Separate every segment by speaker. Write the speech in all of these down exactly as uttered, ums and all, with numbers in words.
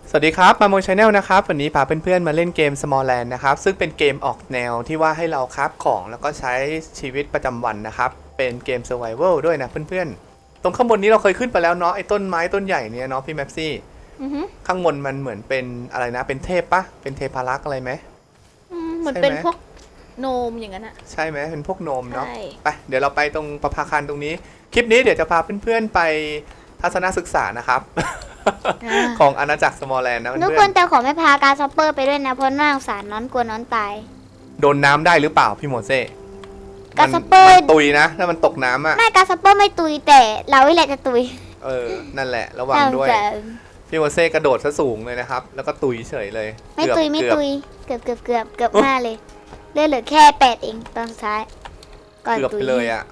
Speaker 1: สวัสดีครับมาโมชาแนลนะครับวันนี้พาเพื่อนๆมาเล่นเกม Smallland นะครับซึ่งเป็นเกมออกแนวที่ว่าให้เราคราฟของแล้วก็ใช้ชีวิตประจำวันนะครับเป็นเกม Survival ด้วยนะเพื่อนๆตรงข้างบนนี้เราเคยขึ้นไปแล้วเนาะไอ้ต้นไม้ต้นใหญ่เนี่ยเนาะพี่แม็ปซี่ข้างบนมันเหมือนเป็นอะไรนะเป็นเทพปะเป็นเทพารักษ์อะไรไหม
Speaker 2: เหมือนเป็นพวกโนมอย่างนั้นอะ
Speaker 1: ใช่ไหมเป็นพวกโนมเนาะ
Speaker 2: ใช่
Speaker 1: ไปเดี๋ยวเราไปตรงประภาคารตรงนี้คลิปนี้เดี๋ยวจะพาเพื่อนๆไปทัศนศึกษานะครับของอาณาจักร Smallland นะเพื่อนๆ
Speaker 3: ทุกคนแต่ขอไม่พาการซัปเปอร์ไปด้วยนะเพราะน่าสงสารน้อนกลัวน้อนตาย
Speaker 1: โดนน้ำได้หรือเปล่าพี่โมเซ่
Speaker 3: การซัปเปอร์
Speaker 1: ตุยนะถ้ามันตกน้ำอ่ะ
Speaker 3: ไม่การซัปเปอร์ไม่ตุยแต่เราไม่แหละจะตุย
Speaker 1: เออนั่นแหละระวังด้วยพี่โมเซ่กระโดดซะสูงเลยนะครับแล้วก็ตุยเฉยเลย
Speaker 3: ไม่ตุยไม่ตุยเกือบเกือบเกือบเกือบห้าเลยเลือดเหลือแค่แปดเองตอนสุดท้าย
Speaker 1: ก่อนตุยเกือบไปเลยอ่ะ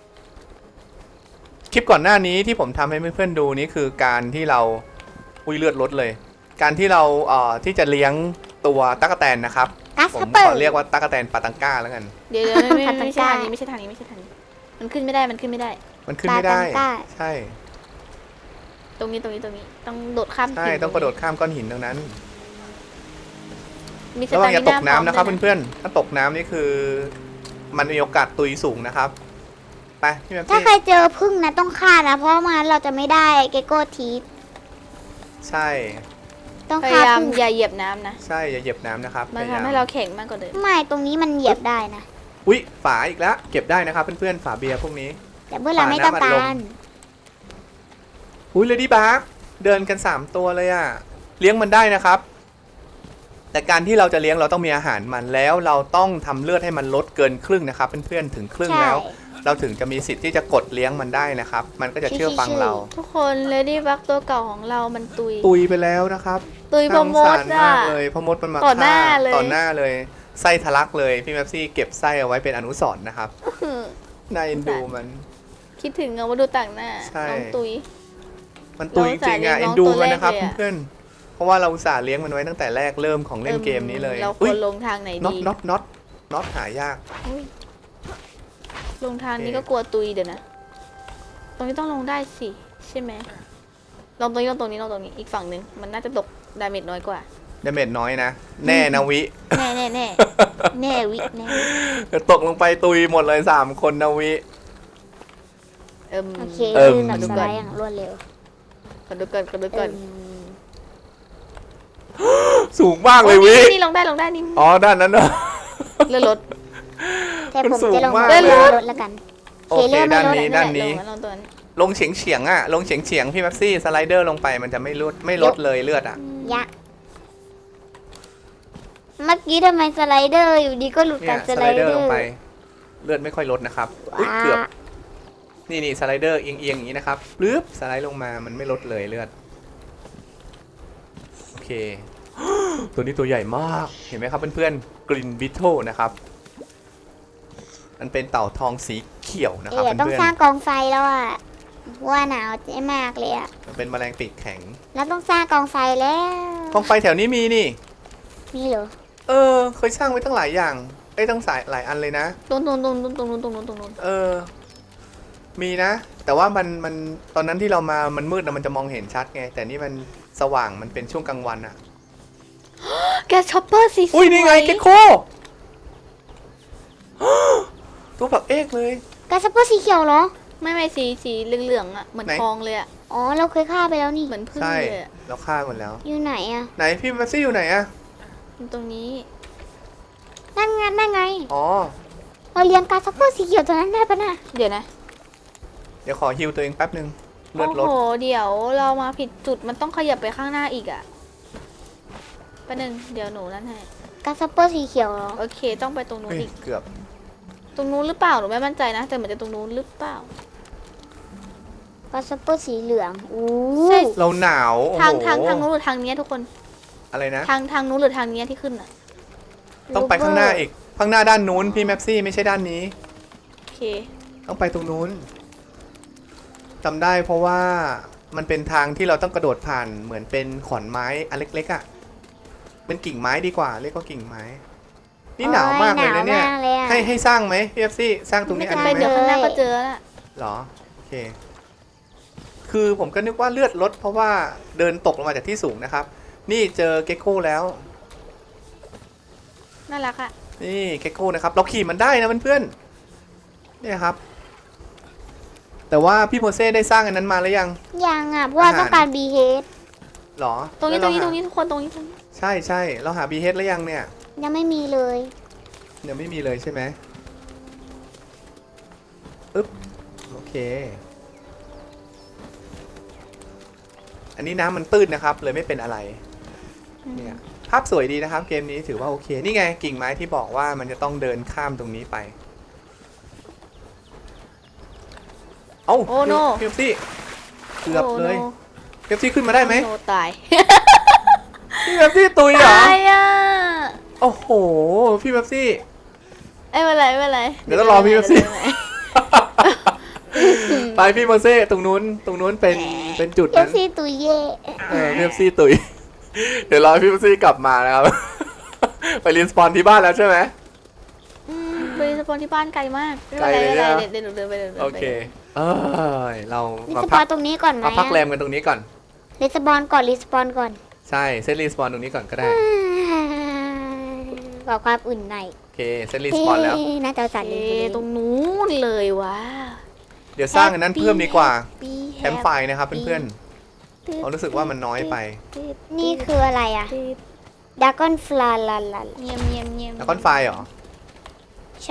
Speaker 1: คลิปก่อนหน้านี้ที่ผมทำให้เพื่อนๆดูนี่คือการที่เราอุ้ยเลือดลดเลยการที่เราเอ่อที่จะเลี้ยงตัวตั๊กแตนนะครับผมขอเรียกว่าตั๊กแตนปาตังก้าแล้วกัน
Speaker 2: เดี๋ยวไม่ไม่ไม่ใช่ทางนี้ไม่ใช่ทางนี้ไม่ใช่ทางนี้มันขึ้นไม่ได้มันขึ้นไม่ได้
Speaker 1: มันขึ้นไม่ได้ใช่
Speaker 2: ตรงนี้ตรงนี้ตรงนี้ต้องโดดข้าม
Speaker 1: ใช่ต้องกระโดดข้ามก้อนหินตรงนั้น
Speaker 2: มี
Speaker 1: ระวังอย่าตกน้ำนะครับเพื่อนๆถ้าตกน้ำนี่คือมันมีโอกาสตุยสูงนะครับไปพี่แม่
Speaker 3: ถ้าใครเจอพึ่งนะต้องฆ่านะเพราะงั้นเราจะไม่ได้เกโก้ทีส
Speaker 1: ใช่
Speaker 3: ต้อง
Speaker 2: พยายามอย่าเหยียบน้ำนะ
Speaker 1: ใช่อย่าเหยียบน้ำนะครับ
Speaker 2: มันทำให้เราแข็งมากกว่าเดิม
Speaker 3: ไม่ตรงนี้มันเหยียบได้นะ
Speaker 1: อุ้ยฝาอีกแล้วเก็บได้นะครับเพื่อนๆฝาเบียร์พวกนี้
Speaker 3: แต่เมื่อเราไม่ต้องการ
Speaker 1: อุ้ยเลดี้บาร์เดินกันสามตัวเลยอ่ะเลี้ยงมันได้นะครับแต่การที่เราจะเลี้ยงเราต้องมีอาหารมันแล้วเราต้องทำเลือดให้มันลดเกินครึ่งนะครับเพื่อนๆถึงครึ่งแล้วเราถึงจะมีสิทธิ์ที่จะกดเลี้ยงมันได้นะครับมันก็จะเชื่อฟังเรา
Speaker 2: ทุกคนเลดี้บักตัวเก่าของเรามันตุย
Speaker 1: ตุยไปแล้วนะครับ
Speaker 2: ตุยพมด
Speaker 1: อ่ะเลยพมดมันมา
Speaker 2: ต่อหน้าเลย
Speaker 1: ต่อหน้าเลยไส้ทะลักเลยพี่แมปซี่เก็บไส้เอาไว้เป็นอนุสรณ์นะครับน่าเอ็นดูมัน
Speaker 2: คิดถึงเอามาดูต่างหน้าน้องตุย
Speaker 1: มันตุยจริงอ่ะเอ็นดูมันนะครับเพื่อนเพราะว่าเราอุตส่าห์เลี้ยงมันไว้ตั้งแต่แรกเริ่มของเล่นเกมนี้เลย
Speaker 2: เราควรลงทางไหนดี
Speaker 1: น็อตน็อตน็อตน็อตหายาก
Speaker 2: ลงทางนี้ก็กลัวตุยเดี๋ยวนะตรงนี้ต้องลงได้สิใช่ไหมลงตรงนี้ลงตรงนี้ลงตรงนี้อีกฝั่งหนึ่งมันน่าจะตกดาเมจน้อยกว่า
Speaker 1: ดาเมจน้อยนะแน่นะวิ
Speaker 3: แน่แน่แน่แน่วิแน่
Speaker 1: ตกลงไปตุยหมดเลยสามคนนะวิ
Speaker 3: โอเคเอิ่มสไลด์อย่างรวดเร็ว
Speaker 2: กดดูก่อนกดดูก่อน
Speaker 1: สูงมากเลยวิ
Speaker 2: นี่ลงได้ลงได้นี่
Speaker 1: อ๋อด้านนั้นเนอะ
Speaker 2: เลื่อนรถ
Speaker 3: แต่ผมจะลงเลื่อนรถแล้วกัน
Speaker 1: โอเคด้านนี้ด้านนี้ลงเฉียงเฉียงอ่ะลงเฉียงเฉียงพี่แม็ปซี่สไลเดอร์ลงไปมันจะไม่ลดไม่ลดเลยเลือดอ่ะ
Speaker 3: ยะเมื่อกี้ทำไมสไลเดอร์อยู่ดีก็หลุดกันสไลเดอร์
Speaker 1: ลงไปเลือดไม่ค่อยลดนะครับเกือบนี่นี่สไลเดอร์เอียงเอียงอย่างนี้นะครับปึ๊บสไลด์ลงมามันไม่ลดเลยเลือดโอเคตัวนี้ตัวใหญ่มากเห็นไหมครับเพื่อนๆกรินบิทโธนะครับมันเป็นเต่าทองสีเขียวนะครับเพื่อนๆ
Speaker 3: ต้องสร้างกองไฟแล้วอ่ะว่าหนาวเจ๊มากเลยอ่ะ
Speaker 1: มันเป็นแมลงปีกแข็ง
Speaker 3: แล้วต้องสร้างกองไฟแล้ว
Speaker 1: กองไฟแถวนี้มีนี่
Speaker 3: มีเหรอ
Speaker 1: เออเคยสร้างไว้ตั้งหลายอย่างไอ้ตั้งสายหลายอันเลยนะ
Speaker 2: ตรงตรงตรงตรงตรงตรงตรงตรงตรง
Speaker 1: เออมีนะแต่ว่ามันมันตอนนั้นที่เรามามันมืดนะมันจะมองเห็นชัดไงแต่นี่มันสว่างมันเป็นช่วงกลางวันอะ
Speaker 2: แกช็อปเปอร์สี
Speaker 1: อุ้ยนี่ไงเกคโคตัวแบบเอกเลย
Speaker 3: แกช็อปเปอร์สีเขียวเหรอ
Speaker 2: ไม่ไม่สีสีเหลืองๆอะเหมือนทองเลยอะ
Speaker 3: อ๋อเราเคยฆ่าไปแล้วนี่
Speaker 2: เหมือนพึ่งเลย
Speaker 1: เราฆ่าหมดแล้ว
Speaker 3: อยู่ไหนอะ
Speaker 1: ไหนพี่แม็ปซี่อยู่ไหนอะ
Speaker 2: ตรงนี้
Speaker 3: นั่นไงนั่นไง
Speaker 1: อ๋อ
Speaker 3: เราเลี้ยงกาช็อปเปอร์สีเขียวตัวนั้นได้ปะน่ะ
Speaker 2: เดี๋ยวนะ
Speaker 1: เดี๋ยวขอฮิวตัวเองแป๊บนึงเลือดลด
Speaker 2: โอ้โหเดี๋ยวเรามาผิดจุดมันต้องขยับไปข้างหน้าอีกอะแป๊บนึงเดี๋ยวหนูนั่นให้
Speaker 3: กาซัปเปอร์สีเขียวเหรอ
Speaker 2: โอเคต้องไปตรงนู้นอีก
Speaker 1: เกือบ
Speaker 2: ตรงนู้นหรือเปล่าหนูไม่มั่นใจนะแต่เหมือนจะตรงนู้นหรือเปล่
Speaker 3: ากาซัปเปอร์สีเหลืองอู้
Speaker 1: เราหนาว
Speaker 2: ทางทางทางนู้นหรือทางนี้ทุกคน
Speaker 1: อะไรนะ
Speaker 2: ทางทางนู้นหรือทางนี้ที่ขึ้นอะ
Speaker 1: ต้องไปข้างหน้าอีกข้างหน้าด้านนู้นพี่แม็ปซี่ไม่ใช่ด้านนี้
Speaker 2: โอเค
Speaker 1: ต้องไปตรงนู้นจำได้เพราะว่ามันเป็นทางที่เราต้องกระโดดผ่านเหมือนเป็นขอนไม้อันเล็กๆอ่ะเป็นกิ่งไม้ดีกว่าเรียกว่ากิ่งไม้นี่หนาวมากเลยนะเนี่ยให้ให้สร้างไหมพี่เอฟซี่สร้างตรงนี้อันนี้ไหม
Speaker 2: เดี๋ยวข้างหน้าก็เจอแล้ว
Speaker 1: หรอโอเคคือผมก็นึกว่าเลือดลดเพราะว่าเดินตกลงมาจากที่สูงนะครับนี่เจอเกคโก้แล้ว
Speaker 2: น่ารักอะ
Speaker 1: นี่เกคโก้นะครับ เราขี่มันได้นะเพื่อนๆเนี่ยครับ แต่ว่าพี่โมเซ่ได้สร้างอันนั้นมาแล้วยัง
Speaker 3: ยังอ่ะเพราะว่า
Speaker 1: อาหาร
Speaker 3: ต้องการบีเฮด
Speaker 1: หรอ
Speaker 2: ตรงนี้ต
Speaker 1: แล้
Speaker 2: ร
Speaker 1: ว
Speaker 2: งนี้
Speaker 1: เา
Speaker 2: ตร
Speaker 1: หาง
Speaker 2: นี้ทุกคนตรงนี้ตรงนี้
Speaker 1: ใช่ใช่เราหาบีเฮดแล้วยังเนี่ย
Speaker 3: ยังไม่มีเลย
Speaker 1: เดี๋ยวไม่มีเลยใช่ไหมอึ๊บโอเค อันนี้น้ำมันตื้นนะครับ เลยไม่เป็นอะไร เนี่ยภาพสวยดีนะครับ เกมนี้ถือว่าโอเค นี่ไงกิ่งไม้ที่บอกว่ามันจะต้องเดินข้ามตรงนี้ไป เอ้า
Speaker 2: โอ้โน
Speaker 1: พี่พี่เกือบเลย
Speaker 2: โอ้
Speaker 1: เป๊ปซี่ขึ้นมาได้ไหม
Speaker 2: โนตาย
Speaker 1: พี่เป๊ปซี่ตุยเหรอ
Speaker 2: ตายอ่ะ
Speaker 1: โอ้โห พี่เป๊ปซี่
Speaker 2: เอ้ยไม่เป็นไรไม่เป็นไร
Speaker 1: เดี๋ยวต้องรอพี่เป๊ปซี่
Speaker 2: ดี๋ยวไม่เป็นไร
Speaker 1: ไปพี่โมเซ่ตรงนู้นตรงนู้นเป็นเป็นจุด
Speaker 3: เอฟ
Speaker 1: นั้น
Speaker 3: ซีตุยเย่
Speaker 1: เออพี่เป๊ปซี่ตุย เดี๋ยวรอพี่เป๊ปซี่กลับมานะครับ ไปรีนสปอนที่บ้านแล้วใช่ไหม
Speaker 2: อืมไปสปอนที่บ้านไกลมากไม่
Speaker 1: ไกล
Speaker 2: เป็นไร
Speaker 1: เลย
Speaker 2: ไม่
Speaker 1: นะ
Speaker 2: เป็นไรเดี๋ยวเดี๋ยวหนูเดินไปเดินไป
Speaker 1: โอเค เออเรา
Speaker 3: รี
Speaker 1: มา
Speaker 3: สป
Speaker 1: พั
Speaker 3: อก นตรงนี้ก่อนไหม
Speaker 1: มาพักแรมกันตรงนี้ก่อน
Speaker 3: รีสปอนก่อนรีสปอนก่อน
Speaker 1: ใช่เซตรีสปอนตรงนี้ก่อนก็ได้
Speaker 3: ขอความอุ่นหน่อย
Speaker 1: โอเคเซตรีสปอนแล้ว
Speaker 3: เฮ้ยน่าจะสั่น
Speaker 2: เอ
Speaker 3: เลย
Speaker 2: ตรงนู้นเลยวะ
Speaker 1: เดี๋ยวสร้างอันนั้นเพิ่มดีกว่า
Speaker 3: ปี
Speaker 1: แคมป์ไฟนะครับเพื่อนๆเรารู้สึกว่ามันน้อยไป
Speaker 3: นี่คืออะไรอ่ะดากอนฟลาลาลา
Speaker 2: เงียบเงียบเงียบ
Speaker 1: แล้วก้อนไฟเหรอ
Speaker 3: ใช่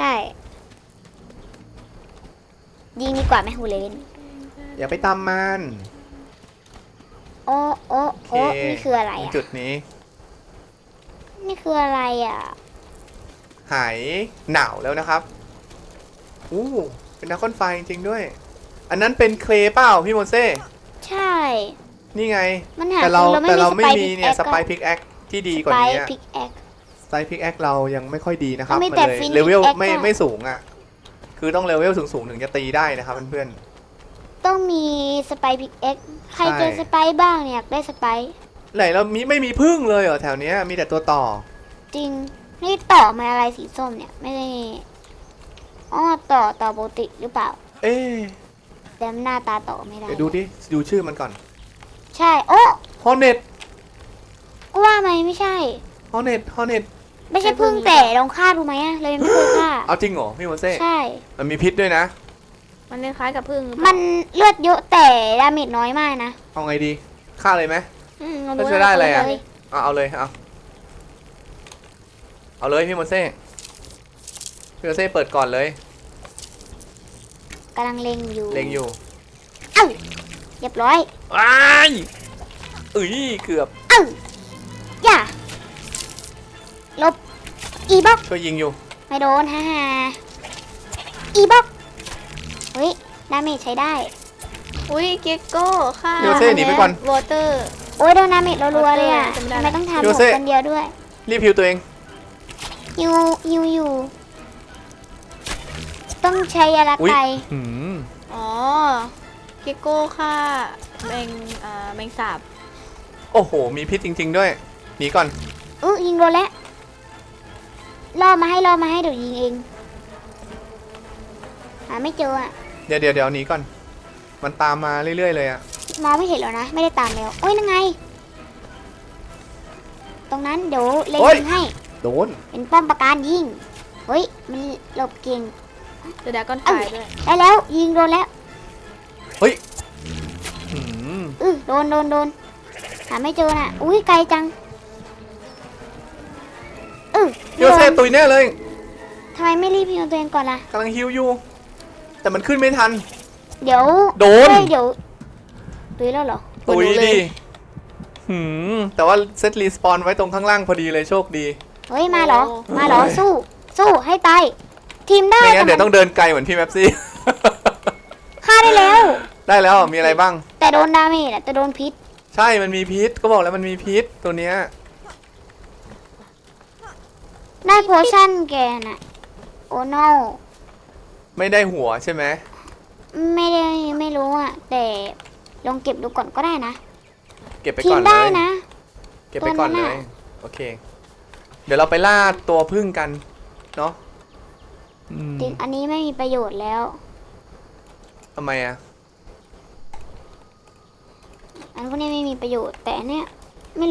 Speaker 3: ยิงดีกว่าไหมฮูเลน
Speaker 1: อย่าไปตามมัน
Speaker 3: โอ้โอ้
Speaker 1: โอเค
Speaker 3: โอ้นี่คืออะไร
Speaker 1: ตรง
Speaker 3: อ่ะ
Speaker 1: จุดนี้
Speaker 3: นี่คืออะไรอ่ะ
Speaker 1: หายหนาวแล้วนะครับอู้เป็นดราก้อนไฟจริงๆด้วย อันนั้นเป็นเคลย์เปล่าพี่โมเซ่
Speaker 3: ใช่
Speaker 1: นี่ไง
Speaker 3: มันหา
Speaker 1: แต่เรา
Speaker 3: คือ
Speaker 1: แต่เราไม่
Speaker 3: สป
Speaker 1: มีเนี่ยสไป
Speaker 3: พิก
Speaker 1: พิกแอคที่ดี
Speaker 3: แอค
Speaker 1: กว่านี้
Speaker 3: พิกแอค
Speaker 1: สไปพิกแอคเรายังไม่ค่อยดีนะครับ
Speaker 3: มันมี
Speaker 1: มัน
Speaker 3: แต่
Speaker 1: เลย
Speaker 3: Phoenix
Speaker 1: เลเวล
Speaker 3: Axe
Speaker 1: ไม่
Speaker 3: อะ
Speaker 1: ไม่สูงอ่ะ คือต้องเลเวลสูงๆถึงจะตีได้นะครับเพื่อน
Speaker 3: ต้องมีสไปพิกแอคใคร
Speaker 1: ใช่
Speaker 3: เจอสไปบ้างเนี่ยอยากได้สไป
Speaker 1: ๆไหนเรามีไม่มีพึ่งเลยเหรอแถวเนี้ยมีแต่ตัวต่อ
Speaker 3: จริง นี่ต่อมาอะไรสีส้มเนี่ย ไม่ได้อ๋อต่อต่อปกติหรือเปล่า
Speaker 1: เอ๊ะ
Speaker 3: แต่หน้าตาต่อไม่ได้
Speaker 1: เดี๋ยวดูดิดูชื่อมันก่อน
Speaker 3: ใช่โอ้
Speaker 1: ฮอเน็ต
Speaker 3: ก็ว่าไหมไม่ใช่
Speaker 1: ฮอเน็ตฮอเน็ต
Speaker 3: ไม่ใช่พึ่งแต่ลองฆ่าดูไหมอะเลยไม่เคยฆ่า
Speaker 1: เอาจริงเหรอพี่โมเซ่
Speaker 3: ใช่
Speaker 1: มันมีพิษด้วยนะ
Speaker 2: มันคล้ายๆกับพึ่งหรือเป
Speaker 3: มั
Speaker 2: ล่าน
Speaker 3: เลือดเยอะแต่ดาเมจน้อยมากนะ
Speaker 1: เอาไงดีฆ่าเลยไหม
Speaker 2: อืมเรา
Speaker 1: แล้วจะได้อะไรอะ
Speaker 2: เลย
Speaker 1: เอาเอาเลยเอาเอาเลยพี่โมเซ่พี่โมเซ่เปิดก่อนเลย
Speaker 3: กำลังเล็งอยู่
Speaker 1: เล็งอยู่
Speaker 3: เอ้าเรียบร้อย
Speaker 1: อ้ายเอ้ยเกือบ
Speaker 3: เอ้าอย่าลบอีบ็อก
Speaker 1: ช่วยยิงอยู่
Speaker 3: ไม่โดนฮ่าฮ่าอีบ็อกเฮ้ยดาเมจใช้ได้
Speaker 2: อุ้ยเกกโก้ค่ะ
Speaker 1: พี่โมเซ่หนีไปก่อน
Speaker 2: วอเตอร์
Speaker 3: โอ้ยโดนดาเมจรัวๆเลยอ่ะ
Speaker 2: จำได้
Speaker 3: ทำไมต้องทำ
Speaker 1: โย
Speaker 3: หม
Speaker 1: เซ่
Speaker 3: ดคนเดียวด้วย
Speaker 1: รีบพิวตัวเอง
Speaker 3: ฮิวฮิวอยู่ ต้องใช้ยาละ
Speaker 1: อุ้ย
Speaker 3: ไก
Speaker 1: หืม
Speaker 2: อ๋อเกกโก้ค่ะแมงอ่าแมงสาบ
Speaker 1: โอ้โห มีพิษจริง ๆ ด้วย หนีก่อน
Speaker 3: อื้อยิงโดนแล้วล่อมาให้ล่อมาให้เดี๋ยวยิงเอง หาไม่เจออ่ะ
Speaker 1: เดี๋ยวเดี๋ยวเดี๋ยวหนีก่อน มันตามมาเรื่อย ๆ เลยอะ
Speaker 3: มองไม่เห็นแล้วนะ ไม่ได้ตามแล้วโอ้ยนั่นไง ตรงนั้นเดี๋ยวเล็งยิงให้
Speaker 1: โดน
Speaker 3: เป็นป้อมปราการยิง เฮ้ย มันหลบเก่ง
Speaker 2: เดอะดากอนไฟด้วย
Speaker 3: ได้แล้ว ยิงโดนแล้ว
Speaker 1: เฮ้ยหืม
Speaker 3: อือโดนโดนโดนหาไม่เจอน่ะ อุ้ยไกลจังอือ
Speaker 1: พี่โมเซ่ตุยแน่เลย
Speaker 3: ทำไมไม่รีบพิมพ์ตัวเองก่อนล่ะ
Speaker 1: กำลังฮิวอยู่ แต่มันขึ้นไม่ทัน
Speaker 3: เดี๋ยว
Speaker 1: โดน
Speaker 3: เฮ้ยเดี๋ยวตุยแล้วเหรอ
Speaker 1: ตุย
Speaker 2: โดนเลย
Speaker 1: ดิหืมแต่ว่าเซตรีสปอนไว้ตรงข้างล่างพอดีเลยโชคดี
Speaker 3: เฮ้ย มาเหรอ มาเหรอ สู้ สู้ให้ตาย ทีมได้
Speaker 1: ไม่งั้นเดี๋ยว
Speaker 3: แต่
Speaker 1: ต้องเดินไกลเหมือนพี่แมปซี่
Speaker 3: ฆ่าได้แล้ว
Speaker 1: ได้แล้วมีอะไรบ้าง
Speaker 3: แต่โดนดาเมจอะแต่โดนพิษ
Speaker 1: ใช่ มันมีพิษ ก็บอกแล้วมันมีพิษตัวเนี้ย
Speaker 3: ได้โพชั่นแกน่ะ โอ้ no
Speaker 1: ไม่ได้หัวใช่ไหม
Speaker 3: ไม่ได้ไม่รู้อ่ะ แต่ลองเก็บดูก่อนก็ได้นะ
Speaker 1: เก็บไป
Speaker 3: ที
Speaker 1: ก่อ
Speaker 3: ม
Speaker 1: นเล
Speaker 3: ได้
Speaker 1: ย
Speaker 3: นะ
Speaker 1: เก็บไปก่อน
Speaker 3: ตัวนั้
Speaker 1: เล
Speaker 3: น
Speaker 1: ย
Speaker 3: น่ะ
Speaker 1: โอเค เดี๋ยวเราไปล่าตัวพึ่งกัน เนาะอืม
Speaker 3: จริงอันนี้ไม่มีประโยชน์แล้ว
Speaker 1: ทำไมอะ
Speaker 3: อันพวกนี้ไม่มีประโยชน์ แต่อันเนี้ยไม่รู้อ่ะ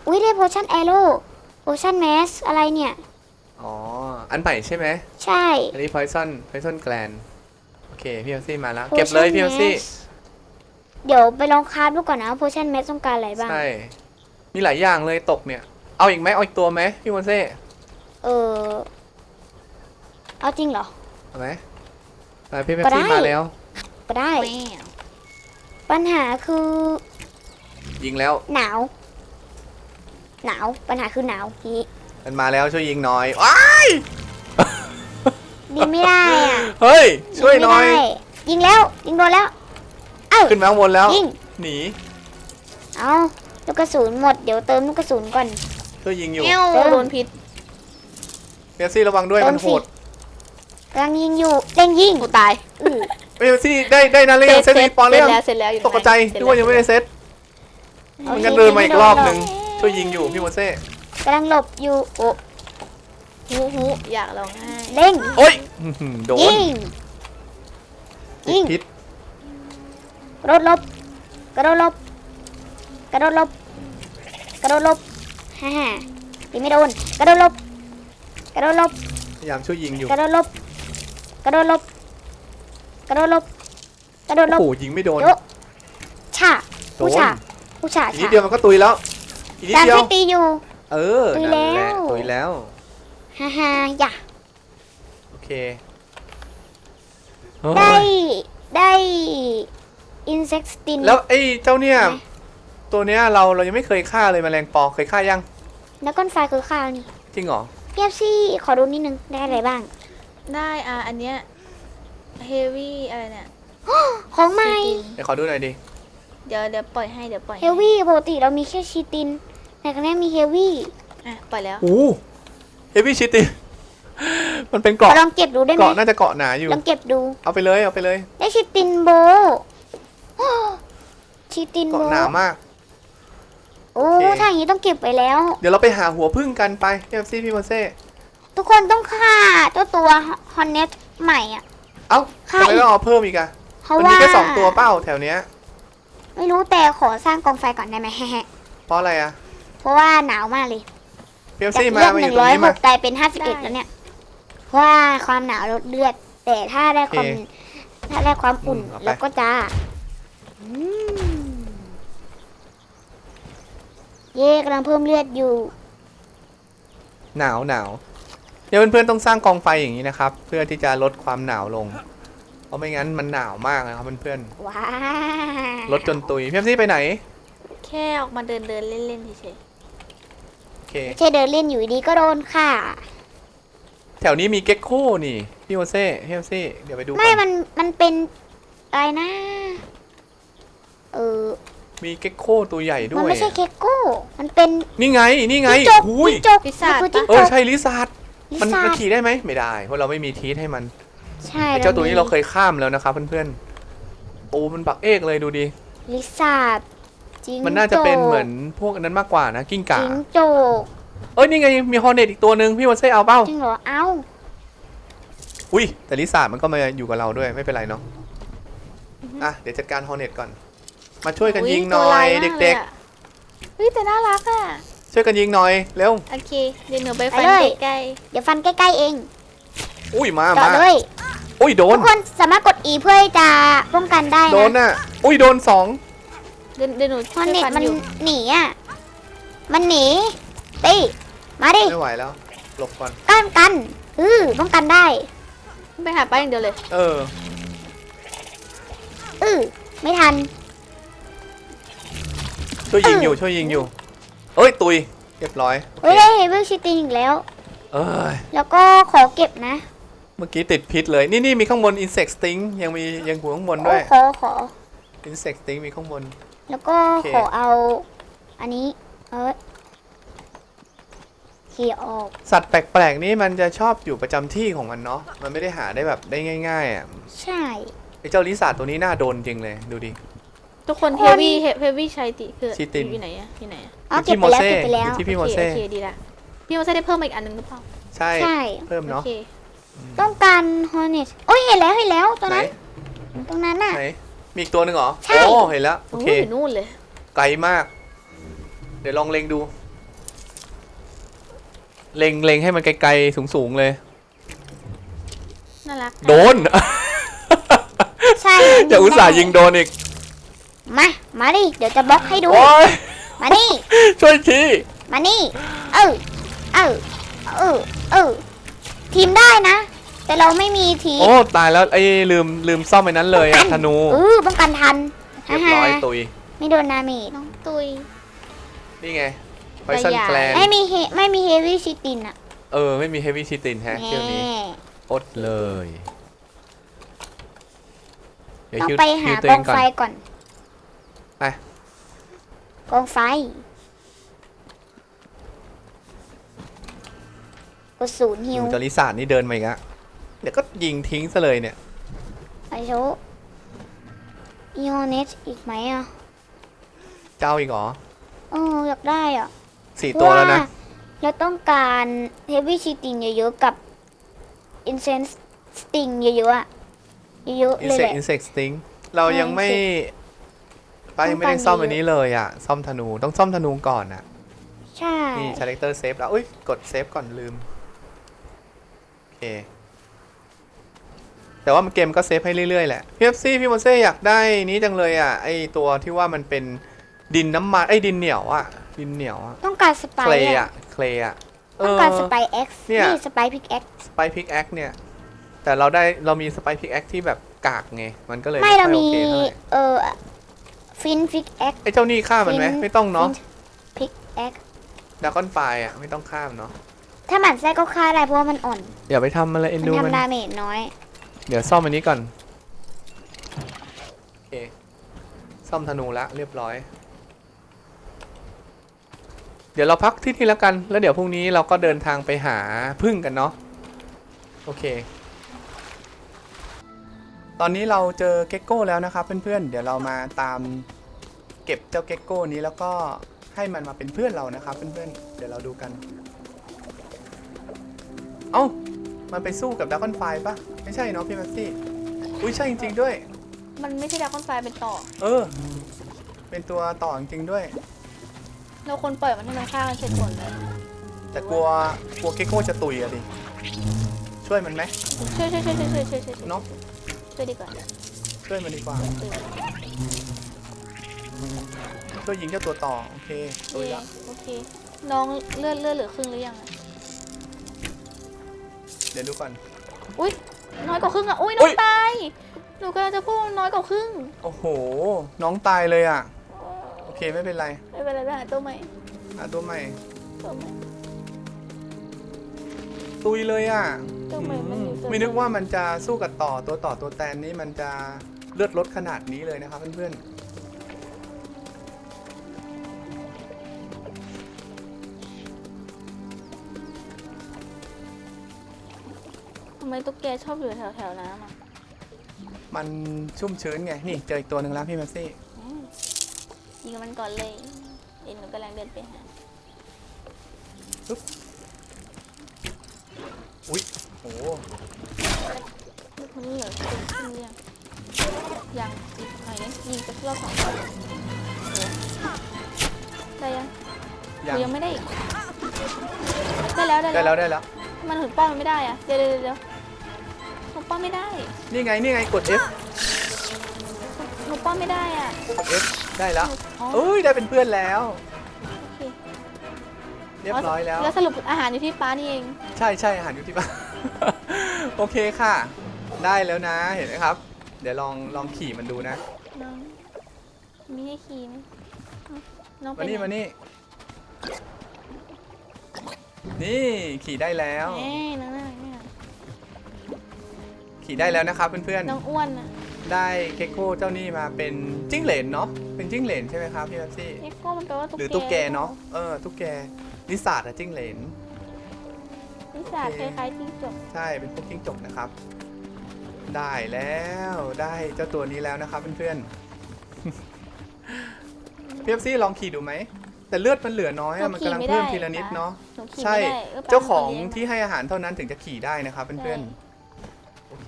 Speaker 3: อุ้ยได้โพชั่นแอโร่โพชั่นแมสอะไรเนี่ย
Speaker 1: อ๋อ อันใหม่ใช่ไหม
Speaker 3: ใช่
Speaker 1: อันนี้ poison poison gland โอเค พี่เอลซี่มาแล้ว
Speaker 3: Potion
Speaker 1: เก็บเลยพี่เอลซี่
Speaker 3: Mask เดี๋ยวไปลองคราฟดูก่อนนะโพชั่นแมสต้องการอะไรบ้าง
Speaker 1: ใช่ มีหลายอย่างเลยตกเนี่ย เอาอีกไหมเอาอีกตัวไหมพี่โมเซ่
Speaker 3: เออเอาจริงเหรอ
Speaker 1: เอาไหมไปพี่เอล
Speaker 3: ก็ได้
Speaker 1: ซี่มาแล้ว
Speaker 3: ก็ได้
Speaker 2: แม่
Speaker 3: ปัญหาคือ
Speaker 1: ยิงแล้ว
Speaker 3: หนาว หนาวปัญหาคือหนาวนี้
Speaker 1: มันมาแล้วช่วยยิงหน่อยว้าย
Speaker 3: ดีไม่ได้อ่ะ
Speaker 1: เฮ้ย ช่วยหน่อย
Speaker 3: งไม่ได้ยิงแล้วยิงโดนแล้ว เอ้า
Speaker 1: ขึ้นมาข้างบนแล้ว
Speaker 3: ยิง
Speaker 1: หนี
Speaker 3: เอาลูกกระสุนหมดเดี๋ยวเติมลูกกระสุนก่อน
Speaker 1: ช่วยยิงอยู่
Speaker 2: เอ้ว
Speaker 3: เออ
Speaker 2: โดนพิษ
Speaker 1: พี่เอลซี่ระวังด้วย
Speaker 3: เติม
Speaker 1: มันโหด
Speaker 3: สิ กำลังยิงอยู่เร่งยิง
Speaker 2: กูตาย
Speaker 3: อือ
Speaker 1: พี่เอลซี่ได้ได้นะเล่นเซตรีปอน
Speaker 2: เส
Speaker 1: เล่
Speaker 2: ร็จ
Speaker 1: น
Speaker 2: แล้วเสร็จแล้วอยู่
Speaker 1: ตกใจ
Speaker 2: เสร็จ
Speaker 1: ด้วยยังไม่ได้เซต
Speaker 3: โอ
Speaker 1: มัน
Speaker 3: ค
Speaker 1: งั้นเดินมาอีกรอบหนึ่งช่วยยิงอยู่พี่โมเซ่
Speaker 3: กำลังหลบอยู่โอ้
Speaker 2: หูหูอยากร้องไห้
Speaker 3: เร่ง
Speaker 1: โอ้ยอื้อหือโดน
Speaker 3: ยิง
Speaker 1: ติ
Speaker 3: ยิ
Speaker 1: ด
Speaker 3: ง
Speaker 1: พิษ
Speaker 3: กระโดดหลบกระโดดหลบกระโดดหลบกระโดดหลบฮ่าฮ่าตีไม่โดนกระโดดหลบกระโดดหลบ
Speaker 1: พยายามช่วยยิงอยู่
Speaker 3: กระโดดหลบกระโดดหลบกระโดดหลบกระโดดหล
Speaker 1: โอ้
Speaker 3: บ
Speaker 1: โหยิงไม่โดน
Speaker 3: โยะฉา
Speaker 1: โด
Speaker 3: ผู้
Speaker 1: น
Speaker 3: ฉาผู้ฉา
Speaker 1: อีกนิด
Speaker 3: ฉา
Speaker 1: เดียวมันก็ตุยแล้วอีกนิด
Speaker 3: การ
Speaker 1: เดียว
Speaker 3: ที่ตีอยู่
Speaker 1: เออ
Speaker 3: ตุย
Speaker 1: นั่นแหละ
Speaker 3: แล้ว
Speaker 1: ตุยแล้ว
Speaker 3: ฮ่าฮ่าอย่า
Speaker 1: โอเค
Speaker 3: ได้ได้อินเซ็กสติน
Speaker 1: แล้วไอ้เจ้าเนี่ย
Speaker 3: ไหน
Speaker 1: ตัวเนี้ยเราเรายังไม่เคยฆ่าเลยแมลงปอเคยฆ่ายัง
Speaker 3: แล้วก้อนไฟคือข้าวนี่
Speaker 1: จริงเหรอ
Speaker 3: เพียบซี่ขอดูนิดนึงได้อะไรบ้าง
Speaker 2: ได้อ่ะอันเนี้ยเฮฟวี่อะไรเนี่ย
Speaker 3: ของใหม่
Speaker 1: เดี๋ยวขอดูหน่อยดิ
Speaker 2: เดี๋ยวเดี๋ยวปล่อยให้เดี๋ยวปล่อย
Speaker 3: เฮลวี่ปกติเรามีแค่ชีตินแต่ครั้งนี้มีเฮลวี่
Speaker 2: อ่ะปล่อยแล้ว
Speaker 1: โอ้เฮฟวี่ชิตติ มันเป็นเกาะ
Speaker 3: ลองเก็บดูได้ไหม
Speaker 1: เกาะน่าจะเกาะหนาอยู่
Speaker 3: ลองเก็บดู
Speaker 1: เอาไปเลยเอาไปเลย
Speaker 3: ได้ชีตินโบ ชีตินโบ
Speaker 1: เกาะหนามาก
Speaker 3: โอ้
Speaker 1: โอเค
Speaker 3: ถ้าอย่างนี้ต้องเก็บไปแล้ว
Speaker 1: เดี๋ยวเราไปหาหัวพึ่งกันไปพี่เอฟซี่พี่โมเซ่
Speaker 3: ทุกคนต้องฆ่าเจ้าตัวฮอนเนตใหม่อ่ะ
Speaker 1: เอ้า
Speaker 3: ค่ะ
Speaker 1: ทำไมต้องเอาเพิ่มอีกอะ
Speaker 3: เพราะ
Speaker 1: มัน
Speaker 3: ว่า
Speaker 1: มีแค่สองตัวเป้าแถวเนี้ย
Speaker 3: ไม่รู้แต่ขอสร้างกองไฟก่อนได้ไหม
Speaker 1: เพราะอะไรอะ
Speaker 3: เพราะว่าหนาวมากเลย
Speaker 1: พี่เอฟ
Speaker 3: จาก
Speaker 1: ซี่มา
Speaker 3: เลือด
Speaker 1: มา
Speaker 3: ห
Speaker 1: อ
Speaker 3: นึ่
Speaker 1: ยู่
Speaker 3: ง
Speaker 1: ตรง
Speaker 3: ร้อย
Speaker 1: นี้
Speaker 3: ห
Speaker 1: มาก
Speaker 3: กกลายเป็นห้าสิบเอ็ดแล้วเนี่ย เพราะว่าความหนาวลดเลือด แต่ถ้าได้ความ
Speaker 1: โอเค
Speaker 3: ถ้าได้ความอุ่น
Speaker 1: อืมเอาไป
Speaker 3: แล้วก็จะอืมเย่กำลังเพิ่มเลือดอยู่
Speaker 1: หนาวหนาวเดี๋ยวเพื่อนๆต้องสร้างกองไฟอย่างนี้นะครับ เพื่อที่จะลดความหนาวลง เพราะไม่งั้นมันหนาวมากนะครับเพื่อน
Speaker 3: ว้า
Speaker 1: ๆลดจนตุยพี่เอฟซี่ไปไหน
Speaker 2: แค่ออกมาเดินเดินเล่นเล่นเฉย
Speaker 1: โอเค
Speaker 3: ไม่ใช่เดินเล่นอยู่ดีก็โดนค่ะ
Speaker 1: แถวนี้มีเก็กโค่นี่พี่โมเซ่พี่เอฟซี่เดี๋ยวไปดู
Speaker 3: ไม่
Speaker 1: กัน
Speaker 3: มันมันเป็นอะไรนะ เออ
Speaker 1: มีเก็กโค่ตัวใหญ่ด้
Speaker 3: มัน
Speaker 1: วย
Speaker 3: ไม่ใช่เคโก้ มันเป็น
Speaker 1: นี่ไงนี่ไง
Speaker 3: จิ้งจก
Speaker 1: หุย
Speaker 3: จิ้งจก
Speaker 2: ๆพิซซ่า
Speaker 3: มันคือจิ้ง
Speaker 1: เอ
Speaker 3: จ
Speaker 1: อก ใช่ลิซาร์ด
Speaker 3: ลิ
Speaker 1: มัน
Speaker 3: ซ่า
Speaker 1: มันขี่ได้ไหมไม่ได้เพราะเราไม่มีทีทให้มัน
Speaker 3: ใช่
Speaker 1: ไอ้เจ้าตัวนี้เราเคยข้ามแล้วนะครับเพื่อนๆโอ้มันบักเอกเลยดูดิ
Speaker 3: ลิซ่าจิ้งจก
Speaker 1: มันน่าจะเป็นเหมือนพวกอันนั้นมากกว่านะกิ้งก่า
Speaker 3: จิ้งจก
Speaker 1: เอ้ยนี่ไงมีฮอร์เน็ตอีกตัวหนึ่งพี่โมเซ่เอาเป้า
Speaker 3: จริงเหรอ เอ้า
Speaker 1: อุ้ยแต่ลิซาร์ดมันก็มาอยู่กับเราด้วยไม่เป็นไรเนาะอ่ะเดี๋ยวจัดการฮอร์เน็ตก่อน มาช่วยกันยิงหน่อยเด็ก
Speaker 2: ๆเฮ้ยแต่น่ารักอ่ะ
Speaker 1: ๆ ช่วยกันยิงหน่อยเร็ว
Speaker 2: โอเคเดี๋ยวหนูไปฟัน
Speaker 3: ไปเลย
Speaker 2: ใกล้
Speaker 3: เดี๋ยวฟันใกล้ๆเอง
Speaker 1: อุ้ยมา
Speaker 3: เจาะ
Speaker 1: มา
Speaker 3: เลย
Speaker 1: อุ้ยโด
Speaker 3: ทุ
Speaker 1: น
Speaker 3: กคนสามารถกด E เพื่อที่จะป้องกันได้
Speaker 1: โดน
Speaker 3: นะ
Speaker 1: น่ะอุ้ยโดนสอง
Speaker 2: ๆเดี๋ยวเดี๋ยวหนู
Speaker 3: เพ
Speaker 2: ช่ว
Speaker 3: ราะ
Speaker 2: ย
Speaker 3: เน็ต
Speaker 2: ฟัน
Speaker 3: มัน
Speaker 2: อยู่
Speaker 3: หนีอ่ะ มันหนีตีมาดิ
Speaker 1: ไม่ไหวแล้วหลบก่อน
Speaker 3: กันกันอือป้องกันได้
Speaker 2: ไปหาป้าอย่างเดียวเลย
Speaker 1: เออ
Speaker 3: อือไม่ทัน
Speaker 1: ช่วยยิงอยู่ช่วยยิงอยู่เอ้ยตุยเรียบร้อยโอ
Speaker 3: เฮ้ย
Speaker 1: เค
Speaker 3: ได้เฮเบิลชิตินอีกแล้ว
Speaker 1: เอ้ย
Speaker 3: แล้วก็ขอเก็บนะ
Speaker 1: เมื่อกี้ติดพิษเลยนี่นี่มีข้างบน insect sting ยังมียังหัวข้างบน
Speaker 3: โอ้
Speaker 1: ด้วย
Speaker 3: ขอขอ
Speaker 1: insect sting มีข้างบน
Speaker 3: แล้วก็
Speaker 1: โอเค
Speaker 3: ขอเอา อันนี้ เออเขี่ยออก
Speaker 1: สัตว์แปลกๆนี่มันจะชอบอยู่ประจำที่ของมันเนาะมันไม่ได้หาได้แบบได้ง่ายๆอ่ะ
Speaker 3: ใช่
Speaker 1: ไอ้เจ้าลิซ่าตัวนี้น่าโดนจริงเลยดูดิ
Speaker 2: ทุกคน
Speaker 3: ทุก
Speaker 2: เฮ
Speaker 3: คน
Speaker 2: วี่เฮวี่ใช้ติคือ
Speaker 1: ชิติน
Speaker 2: อยู่ไหนอะอยู่ไหนอะ
Speaker 3: เอา
Speaker 1: อยู่
Speaker 3: เก็บ
Speaker 1: ที่
Speaker 3: ไปแล้ว
Speaker 1: โมเซ่
Speaker 3: เก็บไปแล้ว
Speaker 1: อยู่ที่พี่โม
Speaker 2: โอเค
Speaker 1: เซ่
Speaker 2: โอเคดีละพี่โมเซ่ได้เพิ่มมาอีกอันหนึงหรือเปล่า
Speaker 1: ใช่
Speaker 3: ใช่
Speaker 1: เพิ่ม
Speaker 2: โอ
Speaker 1: เนาะ
Speaker 2: เค
Speaker 3: ต้องการฮอร์เนตโอ้ยเห็นแล้วเห็นแล้วตัว
Speaker 1: ไหน
Speaker 3: นั้น ตรงนั้นน่ะ
Speaker 1: ไหนมีอีกตัวหนึ่งเหรอ
Speaker 3: ใช่
Speaker 1: โอ้เห็นแล้วโอ
Speaker 2: โอ้
Speaker 1: เค
Speaker 2: ยอยู่นู่นเลย
Speaker 1: ไกลมาก เดี๋ยวลองเล็งดูเล็งเล็งให้มันไกลๆสูงๆเลย
Speaker 2: น่ารัก
Speaker 1: โดน
Speaker 3: ใช่
Speaker 1: จะอุตส่าห์ยิงโดนอีก
Speaker 3: มา มาดิ เดี๋ยวจะบล็อกให้ดู
Speaker 1: โอ้ย
Speaker 3: มานี่
Speaker 1: ช่วยที
Speaker 3: มานี่ เออ เออ เออ เออ ทีมได้นะ แต่เราไม่มีที
Speaker 1: โอ้ตายแล้วไอ้ลืมลืมซ่อมไอ้นั้นเลยอะธนู
Speaker 3: เออป้องกันทัน
Speaker 1: เรียบร้อยตุย
Speaker 3: ไม่โดนนาเมจ
Speaker 2: น้องตุย
Speaker 1: นี่ไงไฟซันแกลน
Speaker 3: ไม่มีเฮไม่มีเฮฟวี่ชิตินอะ
Speaker 1: เออไม่มีเฮฟวี่ชิตินแฮะเที่ยวนี้
Speaker 3: แน่
Speaker 1: อดเลยเดี๋ยว
Speaker 3: ต้อง
Speaker 1: คิว
Speaker 3: ไป
Speaker 1: คิ
Speaker 3: หาว
Speaker 1: ตัว
Speaker 3: ก
Speaker 1: เอ
Speaker 3: อง
Speaker 1: งก่อน
Speaker 3: ไฟก่อน
Speaker 1: ไป
Speaker 3: กองไฟกดศูนย์ฮิ
Speaker 1: ห
Speaker 3: ว
Speaker 1: นูจาริสานนี่เดินมาอีกอะเดี๋ยวก็ยิงทิ้งซะเลยเนี่ย
Speaker 3: ไอโชอีโอเนสอีกไหมอะ
Speaker 1: เจ้าอีกเหรอ
Speaker 3: เอออยากได้อ่ะ
Speaker 1: สี่ตัวแล้วนะ
Speaker 3: เราต้องการเฮฟวี่ชีติงเยอะๆกับอินเซนส์สติงเยอะๆอ่ะเยอะๆ
Speaker 1: อิน
Speaker 3: เลย
Speaker 1: เส
Speaker 3: แห
Speaker 1: ก
Speaker 3: ละ
Speaker 1: อินเสกสติงเรายังไม่
Speaker 3: ใช่
Speaker 1: ป้ายังไม่ได้ซ่อมอันนี้เลยอะซ่อมธนูต้องซ่อมธนูก่อนอะ
Speaker 3: ใช่
Speaker 1: นี่ชาเลคเตอร์เซฟแล้วอุ้ยกดเซฟก่อนลืมโอเคแต่ว่ามันเกมก็เซฟให้เรื่อยๆแหละพี่เอฟซีพี่โมเซ่อยากได้นี้จังเลยอะไอตัวที่ว่ามันเป็นดินน้ำมันไอดินเหนียวอะดินเหนียวอะ
Speaker 3: ต้องการสไป
Speaker 1: เคล
Speaker 3: ร์
Speaker 1: อะ
Speaker 3: อ่ะ
Speaker 1: เคลอะเอ
Speaker 3: ต้อง
Speaker 1: อ
Speaker 3: การสไปร์เอ็กซ์
Speaker 1: เนี่ย
Speaker 3: นี่สไปร์พิกเอ็กซ์
Speaker 1: สไปพิกแอคเนี่ยแต่เราได้เรามีสไปพิกแอคที่แบบกากไงมันก็เลย
Speaker 3: ไม่เรา
Speaker 1: ค่อย
Speaker 3: มี
Speaker 1: โอเคเท่าไหร่
Speaker 3: เออฟินพิกเอ็กซ์
Speaker 1: ไอเจ้านี่ฆ่ามันไหมไม่ต้องเนาะ
Speaker 3: พิกเอ็กซ์
Speaker 1: ดากอนไฟอ่ะไม่ต้องฆ่ามันเนาะ
Speaker 3: ถ้าหมันไส้ก็ฆ่าได้เพราะว่ามันอ่อน
Speaker 1: อย่าไปทำมันเลยเอ็
Speaker 3: มัน น
Speaker 1: ดูมัน
Speaker 3: ทำดาเมจน้อย
Speaker 1: เดี๋ยวซ่อมอันนี้ก่อนโอเคซ่อมธนูละเรียบร้อย เดี๋ยวเราพักที่นี่แล้วกันแล้วเดี๋ยวพรุ่งนี้เราก็เดินทางไปหาพึ่งกันเนาะโอเค ตอนนี้เราเจอเก็กโก้แล้วนะครับเพื่อนๆเดี๋ยวเรามาตามเก็บเจ้าเก็กโก้นี้แล้วก็ให้มันมาเป็นเพื่อนเรานะครับเพื่อนๆเดี๋ยวเราดูกันเอ้ามันไปสู้กับดราก้อนไฟปะไม่ใช่เนาะพี่แม็กซี่อุ้ยใช่จริงๆด้วย
Speaker 2: มันไม่ใช่ดราก้อนไฟเป็นต่อ
Speaker 1: เออเป็นตัวต่อจริงๆด้วย
Speaker 2: เราคนปล่อยมันให้มันฆ่ากันเสร็จก่อนเลย
Speaker 1: แต่กลัวกลัวเก็กโก้จะตุยอะดิช่วยมันไหม
Speaker 2: ช่วยช่วยช่วยช่วยช่วยช่วยช่วย
Speaker 1: เนาะ
Speaker 2: ช่วยดีกว่า
Speaker 1: ช่วยมันดีกว่าช่วยยิงเจ้าตัวต่อโอเคตุย
Speaker 2: เย่
Speaker 1: ละ
Speaker 2: โอเคน้องเลือดเลือดเหลือครึ่งหรือยังอะ
Speaker 1: เดี๋ยวดูก่อน
Speaker 2: อุ้ยน้อยกว่าครึ่งอ่ะอุ้ยน้องตายหนูกำลังจะพูดว่าน้อยกว่าครึ่ง
Speaker 1: โอ้โหน้องตายเลยอ่ะโอเคไม่เป็นไร
Speaker 2: ไม่เป็นไรไปหาตัวใหม่
Speaker 1: หาตัวใหม่
Speaker 2: ตัวใหม่
Speaker 1: ตุยเลยอ่ะ
Speaker 2: ตัวใหม่มันอยู่ตัว
Speaker 1: ไม่นึกว่ามันจะสู้กับต่อตัวต่อตัวแตนนี้มันจะเลือดลดขนาดนี้เลยนะครับเพื่อน
Speaker 2: ทำไมตุ๊กแกชอบอยู่แถวแถวๆน้ำอ่ะ
Speaker 1: ๆมันชุ่มชื้นไงนี่เจออีกตัวหนึ่งแล้วพี่แมสซี่
Speaker 2: อืมยิงกับมันก่อนเลยเอ็นหนูกำลังเดินไปหา
Speaker 1: อุ้ยโอ้โห
Speaker 2: มันเหลือครึ่งครึ่งหรือยังยังอีกหน่อยนึงยิงจะรอบสองรอบเออได้ยัง
Speaker 1: ยัง
Speaker 2: หรือยังไม่ได้อีกได้แล้วได้
Speaker 1: ได้
Speaker 2: แล้
Speaker 1: แล้ว วได้แล้ว
Speaker 2: มันถึงป้อมมันไม่ได้อะเดี๋ยวเดี๋ยวเดี๋ยวหนูป้อมไม่ได้
Speaker 1: นี่ไงนี่ไงกด F
Speaker 2: หนูป้อมไม่ได้อ่ะ
Speaker 1: กด F ได้แล้ว
Speaker 2: อ๋อ
Speaker 1: เอ้ยได้เป็นเพื่อนแล้ว
Speaker 2: โอเค
Speaker 1: เรียบร้อยแล้ว
Speaker 2: แล้วสรุปอาหารอยู่ที่ป้านี่เอง
Speaker 1: ใช่ใช่อาหารอยู่ที่บ้าน โอเคค่ะ ได้แล้วนะเห็นไหมครับ เดี๋ยวลองลองขี่มันดูนะ
Speaker 2: น้องมีให้ขี่ไหมอ้าวน้องไป
Speaker 1: มานี่
Speaker 2: ไห
Speaker 1: มานี่นี่ขี่ได้แล้ว
Speaker 2: เอ้ยน้องน่ารักเนี่ย
Speaker 1: ขี่ได้แล้วนะครับเพื่อน
Speaker 2: น้องอ้วนอ่ะ
Speaker 1: ๆได้เก็กโก้เจ้านี่มาเป็นจิ้งเหลนเนาะเป็นจิ้งเหลนใช่ไหมครับพี่แม็ซี่
Speaker 2: เอ็กโก้มันแปลว่าตุ๊ก
Speaker 1: หรือตุ๊กแกเนาะเออตุ๊กแกนิสาดอะจิ้งเหลน
Speaker 2: นิสัยคล้ายๆจิ้งจก
Speaker 1: ใช่เป็นพวกจิ้งจกนะครับ ได้แล้วได้เจ้าตัวนี้แล้วนะครับเพื่อนๆ พี่เอฟซี่ลองขี่ดูไหมแต่เลือดมันเหลือน้อยอะมันกำลังเพิ่มทีละนิดเนาะ
Speaker 2: หนูขี่
Speaker 1: ใช่
Speaker 2: ไม่ได้ออ
Speaker 1: เจ้าของ
Speaker 2: ป้ป็นคน
Speaker 1: ที่
Speaker 2: เลี้ย
Speaker 1: ให้อาหารเท่านั้นถึงจะขี่ได้นะครับเพื่อนๆโอเค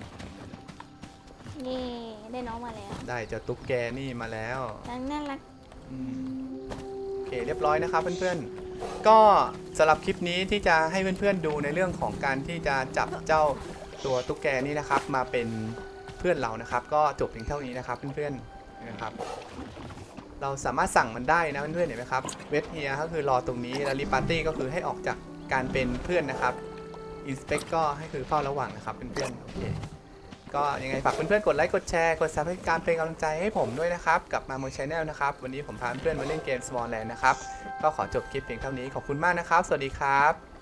Speaker 2: นี่ได้น้องมาแล้ว
Speaker 1: ได้เจ้าตุ๊กแกนี่มาแล้ว
Speaker 2: นางน่ารัก
Speaker 1: อืมโอเคเรียบร้อยนะครับเพื่อนๆก็สำหรับคลิปนี้ที่จะให้เพื่อนๆดูในเรื่องของการที่จะจับเจ้าตัวตุ๊กแกนี่นะครับมาเป็นเพื่อนเรานะครับก็จบเพียงเท่านี้นะครับเพื่อนๆนะครับเราสามารถสั่งมันได้นะเพื่อนๆเห็นไหมครับเวทเฮียก็คือรอตรงนี้แล้วรีปาร์ตี้ก็คือให้ออกจากการเป็นเพื่อนนะครับอินสเปกก็ให้คือเฝ้าระวังนะครับเพื่อนๆโอเคก็ยังไงฝากเพื่อนๆกดไลค์กดแชร์กดซับให้การเป็นกำลังใจให้ผมด้วยนะครับกับมาโมชแนลนะครับวันนี้ผมพาเพื่อนๆมาเล่นเกม Small Land นะครับก็ขอจบคลิปเพียงเท่านี้ขอบคุณมากนะครับสวัสดีครับ